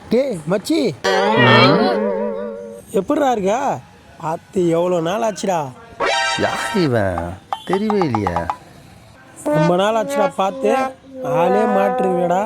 டேய் மச்சி, எப்படிடா இருக்கா? பார்த்து எவ்வளோ நாள் ஆச்சுடா? யார் இவன் தெரியவே இல்லையே. ரொம்ப நாள் ஆச்சுடா பார்த்து. ஆளே மாட்டுருங்கடா.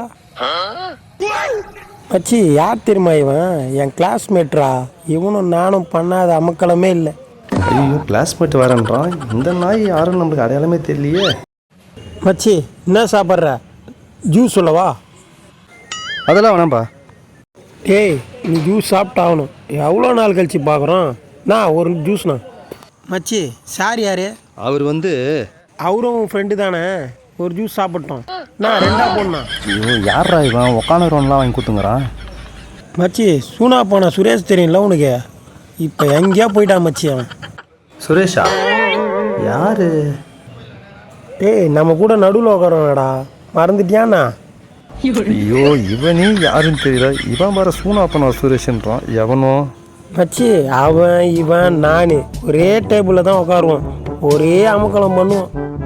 மச்சி, யார் தெரியுமா இவன்? என் கிளாஸ்மேட்ரா. இவனும் நானும் பண்ணாத அமக்கலமே இல்லை. ஐயோ, கிளாஸ்மேட் வரேன்றான். இந்த நாய் யாரும் நம்மளுக்கு அடையாளமே தெரியலையே. மச்சி, என்ன சாப்பிட்ற? ஜூஸ் சொல்லவா? அதெல்லாம் வேணாம்பா. டேய், நீ ஜூஸ் சாப்பிட்டாகணும். எவ்வளோ நாள் கழிச்சு பார்க்குறோம். நான் ஒரு ஜூஸ்ண்ணா. மச்சி, சார் யார்? அவர் அவரும் ஃப்ரெண்டு தானே. ஒரு ஜூஸ் சாப்பிட்டோம். நான் ரெண்டா போடணா. ஐயோ, யாரா இவன் உக்காந்துருவன்லாம் வாங்கி கொடுத்துங்கிறான். மச்சி, சூனா போனா சுரேஷ் தெரியும்ல உனக்கு? இப்போ எங்கேயா போயிட்டான் மச்சி அவன். சுரேஷா? யாரு? டேய், நம்ம கூட நடுவில் உட்காரோடா. மறந்துட்டியாண்ணா? ஐயோ, இவனே யாருன்னு தெரியல. இவன் வர சூனா பண்ண சுரேஷ்ன்றான். எவனோ மச்சி, அவன் இவன் நான் ஒரே டேபிளில் தான் உட்காருவோம். ஒரே அமுக்கலம் பண்ணுவோம்.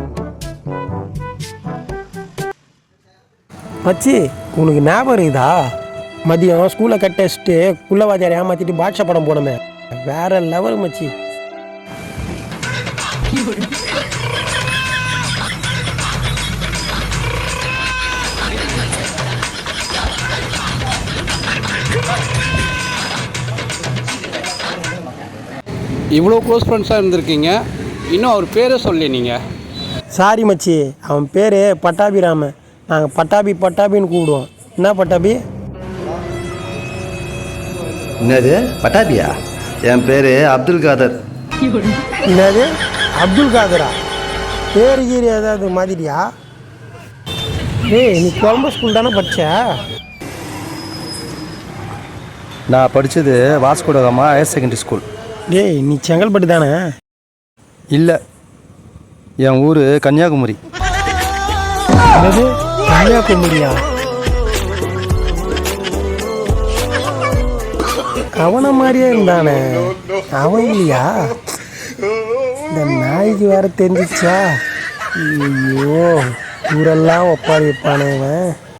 மச்சி, உனக்கு ஞாபகம் இருக்குதா? மதியம் ஸ்கூலை கட் அடிச்சுட்டு குள்ளவாதியாரை ஏமாற்றிட்டு பாட்ஷா படம் போனோமே, வேற லெவல் மச்சி. இவ்வளோ க்ளோஸ் ஃப்ரெண்ட்ஸாக இருந்திருக்கீங்க, இன்னும் அவர் பேரை சொல்லி நீங்கள். சாரி மச்சி, அவன் பேர் பட்டாபிராமன். நாங்கள் பட்டாபின்னு கூப்பிடுவோம். என்ன பட்டாபி? என்னது பட்டாபியா? என் பேர் அப்துல் காதர். என்னது அப்துல் காதரா? பேரு கீரி ஏதாவது மாதிரியா? ஏய், நீ கொழம்பு ஸ்கூல் தானே படிச்ச? நான் படித்தது வாஸ்கோடகாமா ஹையர் செகண்டரி ஸ்கூல். டேய், நீ செங்கல்பட்டு தானே? இல்லை, என் ஊர் கன்னியாகுமரி. என்னது கன்னியாகுமரியா? அவனை மாதிரியே இருந்தானே, அவன் இல்லையா? இந்த நாய்க்கு வேற தெரிஞ்சிச்சா? ஐயோ, ஊரெல்லாம் ஒப்பாரி வைப்பானே இவன்.